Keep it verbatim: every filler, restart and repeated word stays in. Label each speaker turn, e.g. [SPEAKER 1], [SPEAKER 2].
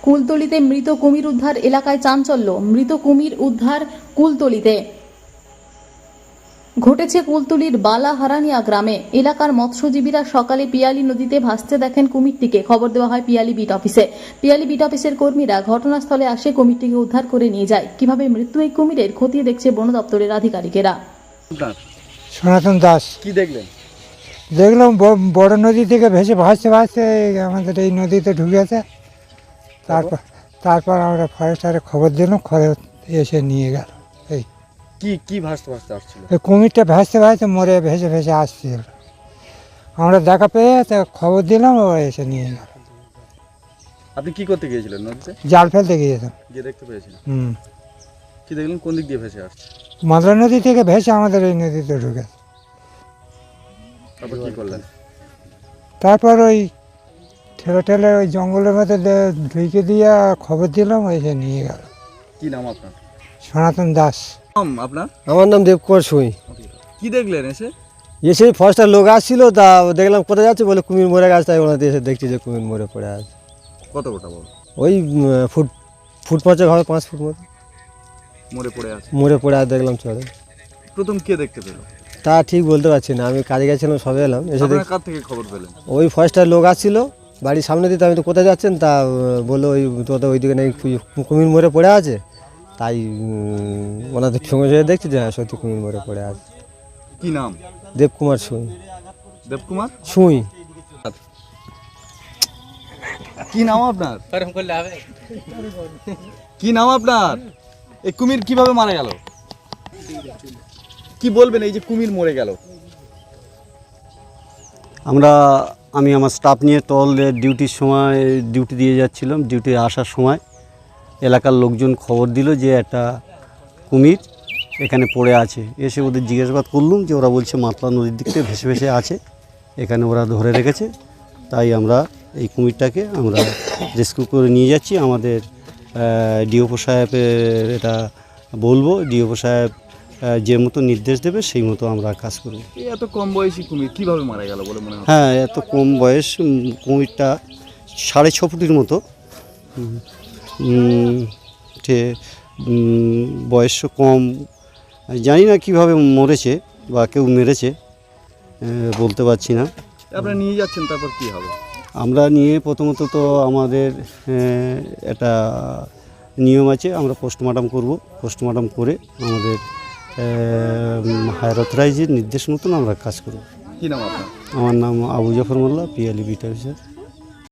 [SPEAKER 1] কুলতলিতে মৃত কুমির উদ্ধার, এলাকায় চাঞ্চল্য। মৃত কুমির উদ্ধার কুলতলিতে ঘটেছে কুলতলির বালাহারানিয়া গ্রামে। এলাকার মৎস্যজীবীরা সকালে পিয়ালি নদীতে ভাসতে দেখেন কুমিরটিকে। খবর দেওয়া হয় পিয়ালি বিট অফিসে। পিয়ালি বিট অফিসের কর্মীরা ঘটনাস্থলে আসে, কুমিরটিকে উদ্ধার করে নিয়ে যায়। কিভাবে মৃত্যু এই কুমিরের খতিয়ে দেখছে বন দপ্তরের আধিকারিকেরা।
[SPEAKER 2] সনাতন দাস।
[SPEAKER 3] কি দেখলেন?
[SPEAKER 2] দেখলাম বড় নদী থেকে ভেসে ভাসতে ভাসতে আমাদের এই নদীতে ঢুকেছে। তারপর তারপর আমরা ফরেস্টারে খবর দিলাম, খবর এসে নিয়ে গেল। এই
[SPEAKER 3] কি কি ভাসতে ভাসতে আসছিল?
[SPEAKER 2] এই কুমিরটা ভাসতে ভাসতে মরে ভেসে ভেসে আসছিল। আমরা দেখা পেয়ে তা খবর দিলাম, ও এসে নিয়ে গেল।
[SPEAKER 3] আপনি কি করতে গিয়েছিলেন নদীতে?
[SPEAKER 2] জাল ফেলতে গিয়েছিলাম।
[SPEAKER 3] গিয়ে দেখতে পেয়েছিলেন?
[SPEAKER 2] হুম
[SPEAKER 3] কি দেখলেন? কোন দিক দিয়ে ভেসে আসছে?
[SPEAKER 2] মাদলা নদী থেকে ভেসে আমাদের এই নদীতে ঢুকেছে।
[SPEAKER 3] তারপর কি করলেন?
[SPEAKER 2] তারপর ওই ঠেলে ঠেলে ওই জঙ্গলের মধ্যে দে- ঢুকে দিয়ে খবর দিলাম, ও এসে নিয়ে গেল।
[SPEAKER 3] কি নাম আপনার?
[SPEAKER 2] সনাতন দাস।
[SPEAKER 3] নাম আপনার?
[SPEAKER 4] আমার নাম দেবকুমার সুই।
[SPEAKER 3] কি দেখলেন এসে?
[SPEAKER 4] এসে ফরেস্টার লোক আসছিল, তা দেখলাম কোথায় যাচ্ছে, বলে কুমির মরে গেছে। তাই ওনাতে এসে দেখছি যে কুমির মরে পড়ে আছে।
[SPEAKER 3] কত গোটা বড়?
[SPEAKER 4] ওই উম, ফুট ফুট পাঁচেক হবে, পাঁচ ফুট মতো
[SPEAKER 3] মরে পড়ে আছে।
[SPEAKER 4] মরে পড়ে আছে দেখলাম চলে।
[SPEAKER 3] প্রথম কে দেখতে পেল?
[SPEAKER 4] তা ঠিক বলতে পারছি না, আমি কাজে গেছিলাম, সবে এলাম। এসে
[SPEAKER 3] আপনারা
[SPEAKER 4] দেখ
[SPEAKER 3] কার থেকে খবর পেলেন?
[SPEAKER 4] ওই ফরেস্টার লোক আসছিল বাড়ির সামনে দিতে। আমি তো কোথায় যাচ্ছেন, তা আহ, বললো ওই তো ওইদিকে নাকি কু- কুমির মরে পড়ে আছে। তাই উম, ওনাদের সঙ্গে সঙ্গে দেখছি যে হ্যাঁ সত্যি কুমির মরে পড়ে আছে।
[SPEAKER 3] কি নাম?
[SPEAKER 4] দেবকুমার সুই।
[SPEAKER 3] দেবকুমার
[SPEAKER 4] সুই।
[SPEAKER 3] কি নাম আপনার? কি নাম আপনার? এই কুমির কিভাবে মারা গেল? কি বলবেন এই যে কুমির মরে গেল?
[SPEAKER 5] আমরা আমি আমার স্টাফ নিয়ে টহলের ডিউটির সময় ডিউটি দিয়ে যাচ্ছিলাম। ডিউটি আসার সময় এলাকার লোকজন খবর দিল যে একটা কুমির এখানে পড়ে আছে। এসে ওদের জিজ্ঞাসাবাদ করলুম, যে ওরা বলছে মাতলা নদীর দিক থেকে ভেসে ভেসে আছে, এখানে ওরা ধরে রেখেছে। তাই আমরা এই কুমিরটাকে আমরা রেস্কিউ করে নিয়ে যাচ্ছি। আমাদের ডিওপো সাহেবের এটা বলবো, ডিওপো সাহেব আহ, যে মতো নির্দেশ দেবে সেই মতো আমরা কাজ করব।
[SPEAKER 3] এই এত কম বয়সী কুমির কিভাবে মারা গেল বলে মনে হয়?
[SPEAKER 5] হ্যাঁ, এত কম বয়স। উম, কুমিরটা সাড়ে ছ ফুটের মতো। উম, উম, যে উম, বয়স কম, জানি না কিভাবে মরেছে বা কেউ মেরেছে, আহ, বলতে পারছি না।
[SPEAKER 3] আপনারা নিয়ে যাচ্ছেন, তারপর কি হবে?
[SPEAKER 5] আমরা নিয়ে প্রথমত তো আমাদের আহ, একটা নিয়ম আছে, আমরা পোস্টমর্টম করব। পোস্টমর্টম করে আমাদের হায়ার অথরাইজের নির্দেশ মতন আমরা কাজ করব।
[SPEAKER 3] কি নাম আপনার?
[SPEAKER 5] আমার নাম আবু জাফর মোল্লা, পিয়ালি বিট অফিসার।